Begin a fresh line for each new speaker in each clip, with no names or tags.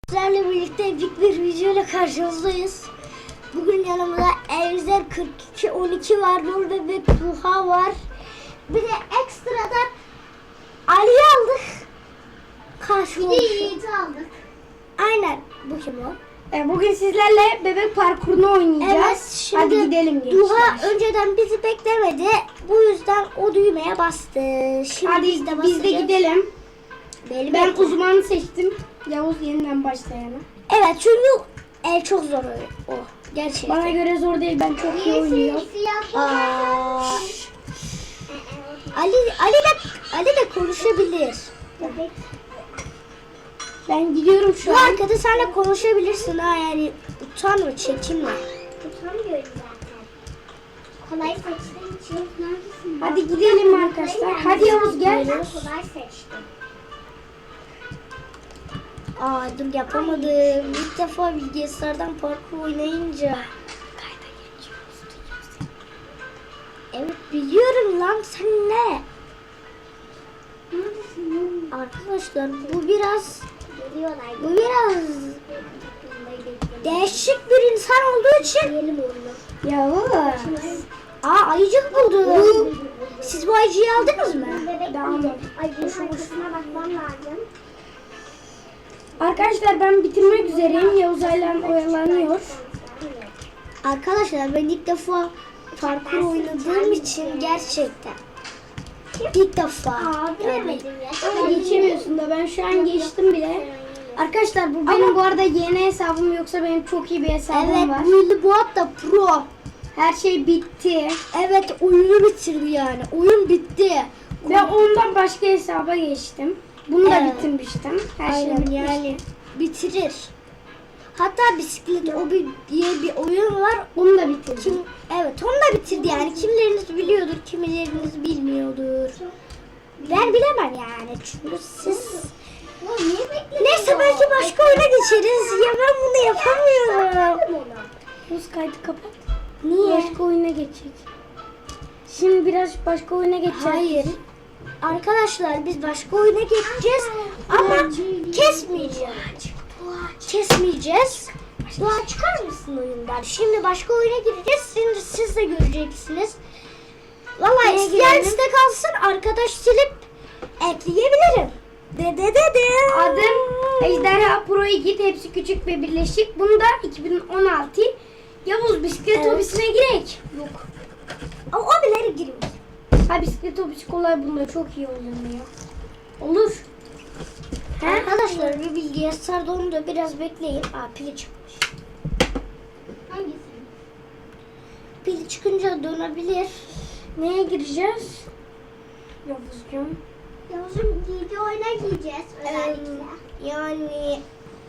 Sizlerle birlikte bir video ile karşınızdayız. Bugün yanımda Elzer 4212 var, Nur Bebek Duha var. Bir de ekstradan Ali aldık. Karşımızda. Bir de Yiğit'i aldık. Aynen. Bu kim o?
Bugün sizlerle bebek parkurunu oynayacağız.
Evet, şimdi
hadi gidelim gençler.
Duha önceden bizi beklemedi. Bu yüzden o düğmeye bastı. Şimdi
Hadi biz de gidelim. Ben
bekle.
uzmanı seçtim. Yavuz yeniden başlayanı.
Evet, çünkü çok zor o. Gerçekten.
Bana göre zor değil, ben çok iyi oynuyorum.
Aa, Ali de konuşabilir.
Ben gidiyorum şu
Bu
an.
arkada senle konuşabilirsin ha, yani utanma, çekinme.
Utanmıyorum zaten. Kolay seçtiğim için neredesin?
Hadi gidelim arkadaşlar. Hadi Yavuz gel.
Ben kolay seçtim.
Aa, dur yapamadım. İlk defa bilgisayardan parkur oynayınca. Evet biliyorum lan, sen ne?
Neredesin?
Arkadaşlar bu biraz
Geliyorlar.
değişik bir insan olduğu için.
Yiyelim onu.
Yavuz.
Aa, ayıcık buldum. Siz bu ayıcıyı aldınız mı?
Devam et.
Ay, bunun arkasına bakmam lazım.
Arkadaşlar ben bitirmek üzereyim. Yavuz hala oyalanıyor.
Arkadaşlar ben ilk defa parkur oynadığım için gerçekten. İlk defa.
Aa, bilemedim ya.
Ama geçemiyorsun da ben şu an geçtim bile. Arkadaşlar bu benim bu arada yeni hesabım, yoksa benim çok iyi bir hesabım
Evet,
var.
bu Boğat da pro.
Her şey bitti.
Evet, oyunu bitirdi yani. Oyun bitti.
Ve ondan başka hesaba geçtim. Bunu da
Evet.
bitirmiştim. Her şey
Aynen,
bitmiş.
yani bitirir. Hatta bisiklet obi diye bir oyun var.
Bunu da bitirdim.
Kim, evet, onu da bitirdi yani. Kimileriniz biliyordur, kimileriniz bilmiyordur. Ben bilemem yani, çünkü siz... Neyse, belki başka oyuna geçeriz. Ya ben bunu yapamıyorum.
Buz kaydı kapat.
Niye?
Başka oyuna geçecek. Şimdi biraz başka oyuna geçeceğiz.
Hayır. Arkadaşlar biz başka oyuna geçeceğiz ama kesmeyeceğiz. Kesmeyeceğiz. Doğa, çıkar mısın oyundan? Şimdi başka oyuna gireceğiz. Şimdi siz de göreceksiniz. Vallahi
Neye
isteyen
girelim?
istek alsın, arkadaş silip ekleyebilirim. De.
Adım Ejderha Pro 2, hepsi küçük ve birleşik. Bunu da 2016. Yavuz bisiklet
Evet.
hobisine girek.
Yok. O bileri girmiş.
Ha, bisiklet hobisi kolay, bunda çok iyi oluyor. Olur.
Arkadaşlar bir bilgisayarda onu da biraz bekleyin. Aa, pili çıkmış.
Hangisi?
Pili çıkınca dönebilir.
Neye gireceğiz? Yavuzcuğum.
Yavuz'un giydiği oyuna giyeceğiz özellikle.
Yani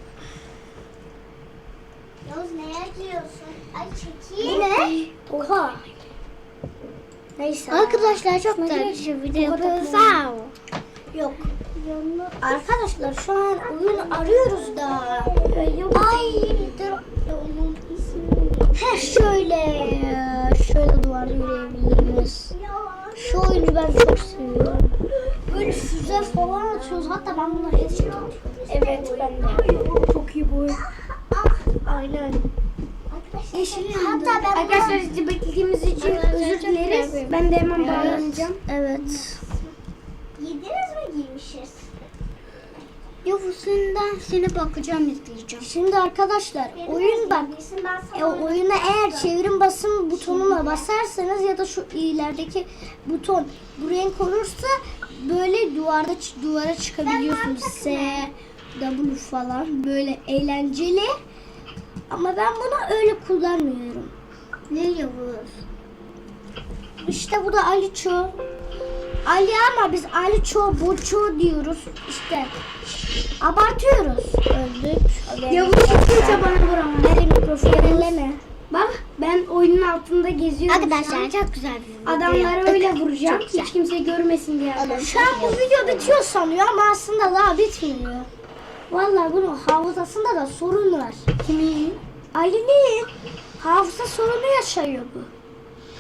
Yavuz neye giyiyorsun? Ay çekil.
yine oha. Neyse.
Arkadaşlar çok
güzel
güzel
bir video yapıyoruz. Yok. Arkadaşlar şu an oyun arıyoruz da. Ay dur. Onun ismi. Şöyle duvar yürüyebiliriz. Şu oyunu ben çok seviyorum. Böyle füze falan atıyoruz. Hatta ben bunları headshot atıyorum.
Evet, ben de. Çok iyi bu oyun.
Aynen. Yeşil yandı.
Hatta ben
Arkadaşlar sizi beklediğimiz için özür dileriz. Ben de hemen bağlanacağım.
Evet.
giydiniz mi giymişiz?
Yavusundan seni bakacağım, izleyeceğim. Şimdi arkadaşlar oyun bak. Oyuna eğer çevrim basım butonuna basarsanız ya da şu ilerideki buton buraya konursa böyle duvara çıkabiliyorsunuz. S, W falan, böyle eğlenceli. Ama ben bunu öyle kullanmıyorum. Ne Yavuz? İşte bu da Aliço. Ali, ama biz Aliço, Boço diyoruz. İşte abartıyoruz. Öldük.
Yavuz çıkınca bana vuramaz.
Nereye mikrofonu elleme.
Bak, ben oyunun altında geziyorum şu an.
Çok güzel bir video
Adamları
yaptık.
öyle vuracağım.
Çok güzel.
Hiç kimse görmesin diye.
Şu an bu video bitiyor sanıyor ama aslında daha bitmiyor. Vallahi bunun hafızasında da sorun var.
Kimin?
Ali'nin hafıza sorunu yaşıyor bu.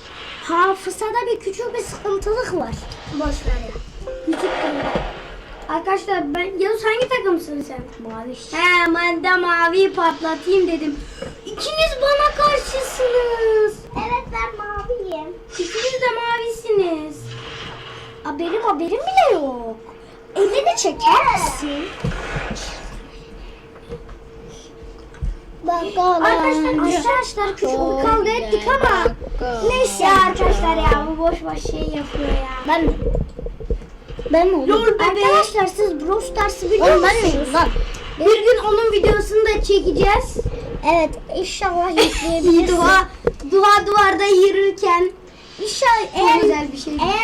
Hafızada bir küçük bir sıkıntılık var.
Boş ver ya.
Küçük bir.
Arkadaşlar Yavuz hangi takımsın sen?
Mavi.
He, ben de maviyi patlatayım dedim. İkiniz bana karşısınız.
Evet ben maviyim.
İkiniz de mavisiniz.
Benim haberim bile yok. Elini çeker misin?
Arkadaşlar küçük bir kavga ettik ama neyse ya arkadaşlar ya bu boş boş şey yapıyor ya.
Ben mi oldum?
Lol bebe.
Arkadaşlar siz Brawl Stars'ı biliyor
Oğlum ben
musunuz?
miyim lan? Bir gün onun videosunu da çekeceğiz.
Evet inşallah yükleyebiliriz.
Dua duvarda yürürken
İnşallah
çok güzel bir şey.
eğer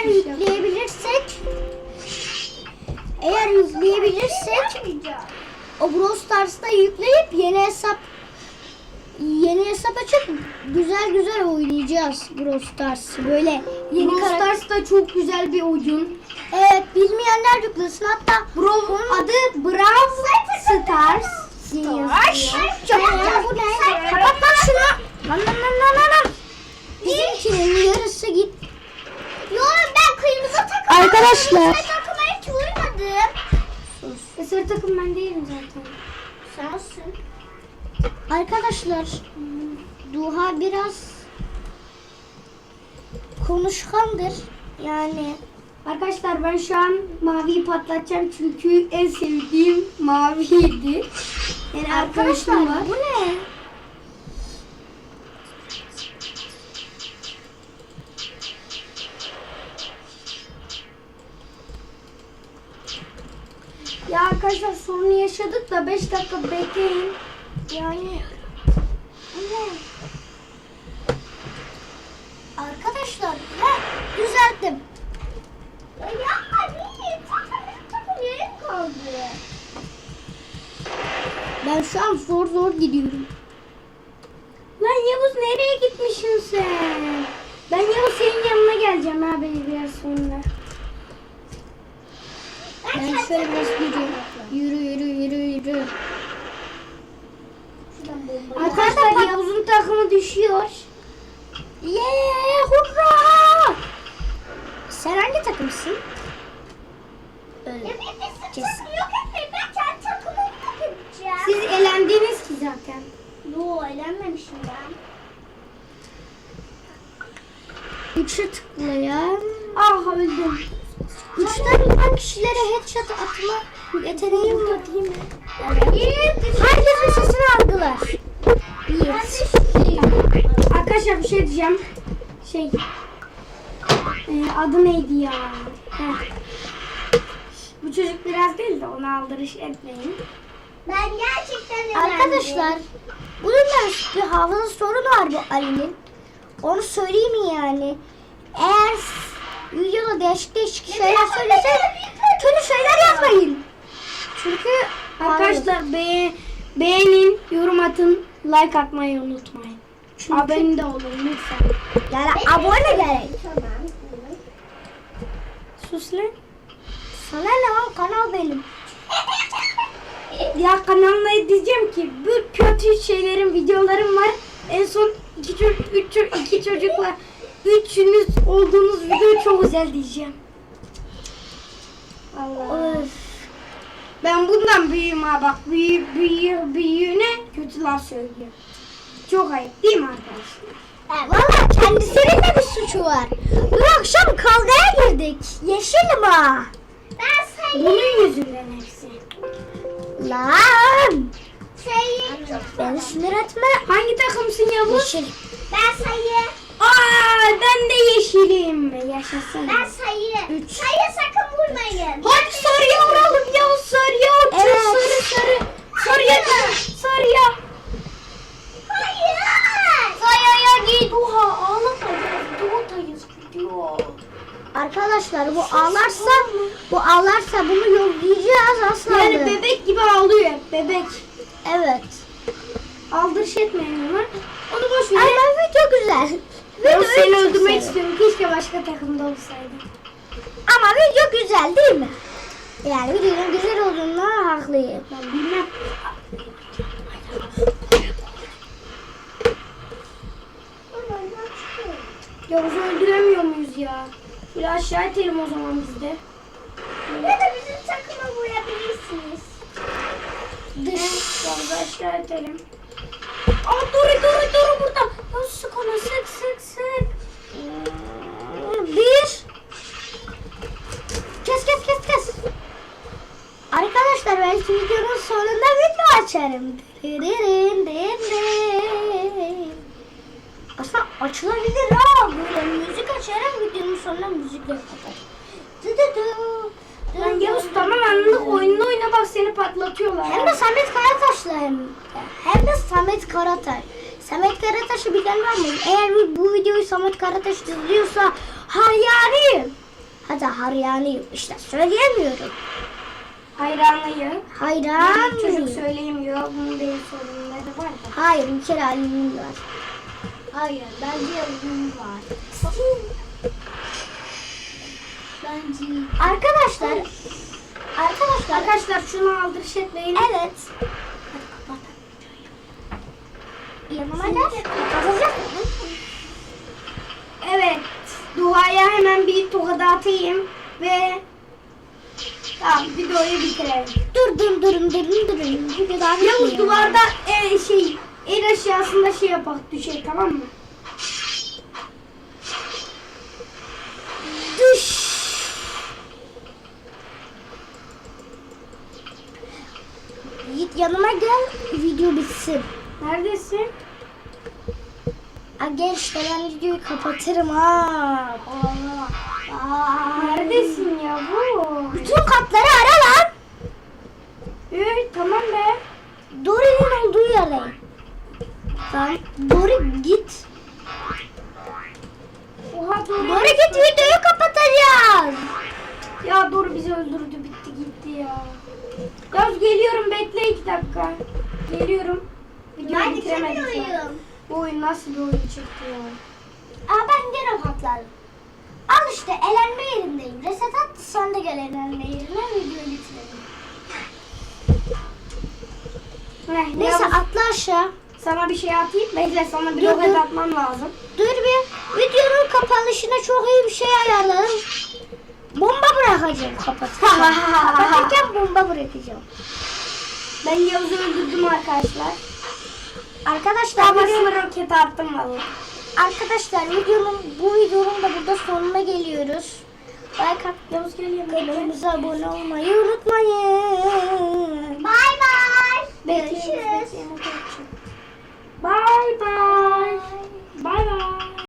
yükleyebilirsek o Brawl Stars'ta yükleyip yeni hesap açıp güzel oynayacağız Brawl Stars'ı. Böyle yeni
Brawl Stars da çok güzel bir oyun.
Evet bilmeyenler yüklesin. Hatta
Adı Brawl Stars.
Bu ne? Kapat lan şunu. Lan. Bizimkinin yarısı git.
Yok ben kırmızı takım.
Arkadaşlar.
Kırmızı takıma hiç vurmadım.
Sarı takım ben değilim zaten.
Sensin.
Arkadaşlar Duha biraz konuşkandır. Yani
Arkadaşlar ben şu an maviyi patlatacağım çünkü en sevdiğim maviydi. Yani arkadaşım var.
bu ne?
Ya arkadaşlar sorunu yaşadık da 5 dakika bekleyin.
Yani ne? Arkadaşlar düzelttim.
Ya yapma değil. Takım yerim kaldı.
Ben şu an zor gidiyorum.
Lan Yavuz nereye gitmişsin sen? Ben Yavuz senin yanına geleceğim ha beni biraz sonra.
Ben şöyle biraz yürü.
Arkadaşlar Yavuz'un takımı düşüyor.
Hurra! Sen hangi takımsın? Öyle.
Ya bir takım yok etmeyin. Ben kendi takımımı yok edeceğim.
Siz elendiniz ki zaten.
Yo eğlenmemişim ben.
3'e tıklayan.
Ah öldüm.
3'ten bilen kişilere headshot atma yeteneğim var değil mi? Herkesin sesini algılar.
Arkadaşlar bir şey diyeceğim. Adı neydi ya? Heh. Bu çocuk biraz değil de ona aldırış etmeyin.
Ben gerçekten eğlendim.
Arkadaşlar bunun bir hafıza sorunu var bu Ali'nin. Onu söyleyeyim mi yani? Eğer videoda değişik şeyler söylese kötü şeyler yazmayın. Çünkü
Arkadaşlar beğenin, yorum atın, like atmayı unutmayın. Abone de olun lütfen.
yani abone gerek.
Tamam.
Sus lan.
Sana ne lan kanal benim.
Ya kanalına diyeceğim ki bu kötü şeylerin videolarım var. En son iki çocukla üçünüz olduğunuz video çok güzel diyeceğim. Allah.
Öf.
Ben bundan büyüğüm ha bak büyüğüne kötü laf söylüyor. Çok ayıp değil mi arkadaşlar?
Valla kendisinin de bir suçu var. Dün akşam kavgaya girdik. Yeşilim ha.
Ben sayı.
Bunun yüzünden hepsi.
Lan.
Sayı.
Beni sinir etme.
Hangi takımsın Yavuz?
Yeşil.
Ben sayı.
Ben de yeşilim. Yaşasın.
Ben sayı.
Üç.
Sayı sakın vurmayın.
Hadi sarıya vuralım Yavuz sarıya.
Evet.
Sarıya.
Hayır.
Sayaya git. Oha ağlamayacağız. Doğutayız gidiyor.
Arkadaşlar bu ağlarsa bunu yollayacağız asla.
Yani bebek gibi ağlıyor hep bebek.
Evet.
Aldırış etmeyin ona. Onu boş ver.
Ama video güzel.
Ben
Videoyu
seni
çok
öldürmek
seviyorum.
istiyorum. Keşke başka takımda olsaydı.
Ama video güzel değil mi? Yani videonun güzel olduğundan haklıyım.
Ben bilmem. Yavuz'u öldüremiyor muyuz ya? Bir aşağı itelim o zaman biz de.
Ya da bizim takıma vur.
aşağı itelim. Aa Duru burada. Ya sık onu sık.
Bir. Kes. Arkadaşlar belki videonun sonunda video açarım. Aslında açılabilir ha. Böyle müzik açarım, videonun sonuna müzikle kapatırım.
Lan Yavuz tamam anladık, oyununu oyna bak seni patlatıyorlar.
Hem de Samet Karataş'la hem de Samet Karataş. Samet Karataş'ı bilen var mı? Eğer bu videoyu Samet Karataş izliyorsa hayranıyım. Hatta hayranıyım. İşte söyleyemiyorum.
Hayranıyım.
Hayran.
Çocuk söyleyemiyor. Bunun benim sorunları var da.
Hayır, bir kere Ali'nin var. Hayır, bence Ali'nin var. Bence. Arkadaşlar
şunu aldırış etmeyin.
evet. Hadi kapat. Yanıma gel. Kapatacak mısın?
Evet. Duaya hemen bir tokat atayım ve tamam videoyu bitirelim.
Durun. Bir daha
Yavuz
bitmiyor.
duvarda en aşağısında şey yapak düşey tamam mı?
Düş. Git yanıma gel, video bitsin.
Neredesin?
Gel işte ben videoyu kapatırım ha.
Neredesin Yavuz?
Bütün katları ara lan.
Tamam be.
Dory'nin olduğu yere. Tamam. Dory git.
Oha doğru.
Dory git, videoyu kapatacağız.
Ya doğru bizi öldürdü bitti gitti ya. Yavuz geliyorum bekle 2 dakika. Geliyorum. Videoyu bitiremedik ya. Bu oyun nasıl bir oyun çıktı ya?
Ben gene patladım. Al işte elenme yerindeyim. Reset at, sen de gel elenme yerine, videoyu bitirelim. Neyse
Yavuz,
atla aşağı.
sana bir şey atayım. Bekle sana bir
Dur,
roket
dur.
atmam lazım.
Dur bir. Videonun kapanışına çok iyi bir şey ayarladım. Bomba bırakacağım kapatırken. Kapatırken bomba bırakacağım.
Ben Yavuz'u öldürdüm arkadaşlar.
Arkadaşlar
Kafasına roket attım vallahi.
Arkadaşlar bu videonun da burada sonuna geliyoruz. Like
Yavuz geliyor.
kanalımıza abone olmayı unutmayın. Bay bay. Görüşürüz.
Bye bye. Bye bye.